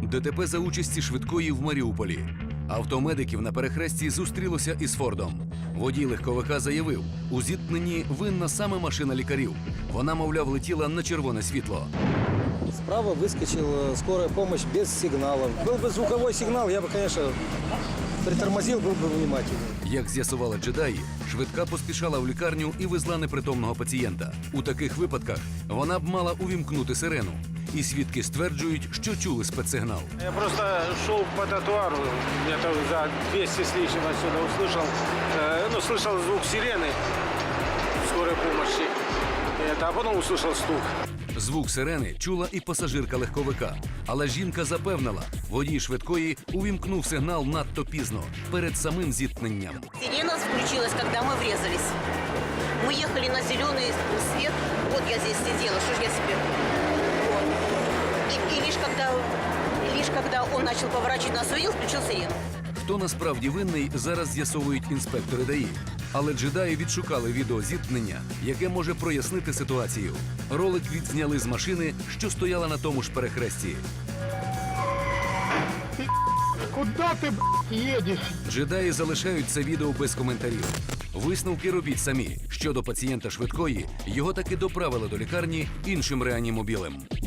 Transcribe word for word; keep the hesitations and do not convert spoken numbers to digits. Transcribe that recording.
ДТП за участі швидкої в Маріуполі. Авто медиків на перехресті зустрілося із Фордом. Водій легковика заявив, у зіткненні винна саме машина лікарів. Вона, мовляв, летіла на червоне світло. Справа выскочила скорая помощь без сигналов. Был бы звуковой сигнал, я бы, конечно, притормозил, был бы внимательный. Як з'ясували джедаї, швидка поспішала в лікарню і везла непритомного пацієнта. У таких випадках вона б мала увімкнути сирену. І свідки стверджують, що чули спецсигнал. Я просто шел по тротуару, где-то за двести с лишним отсюда услышал, э, ну, слышал звук сирены скорой помощи, это, а потом услышал стук. Звук сирени чула і пасажирка легковика. Але жінка запевнила, водій швидкої увімкнув сигнал надто пізно, перед самим зіткненням. Сирена включилась, когда мы врезались. Мы ехали на зеленый свет. Вот я здесь сидела, что ж я себе... Вот. И, и лишь, когда, лишь когда он начал поворачивать на свою, включил сирену. Хто насправді винний, зараз з'ясовують інспектори ДАІ. Але джедаї відшукали відео зіткнення, яке може прояснити ситуацію. Ролик відзняли з машини, що стояла на тому ж перехресті. Куда ты, б***ь, едешь? Джедаї залишають це відео без коментарів. Висновки робіть самі. Щодо пацієнта швидкої, його таки доправили до лікарні іншим реанімобілем.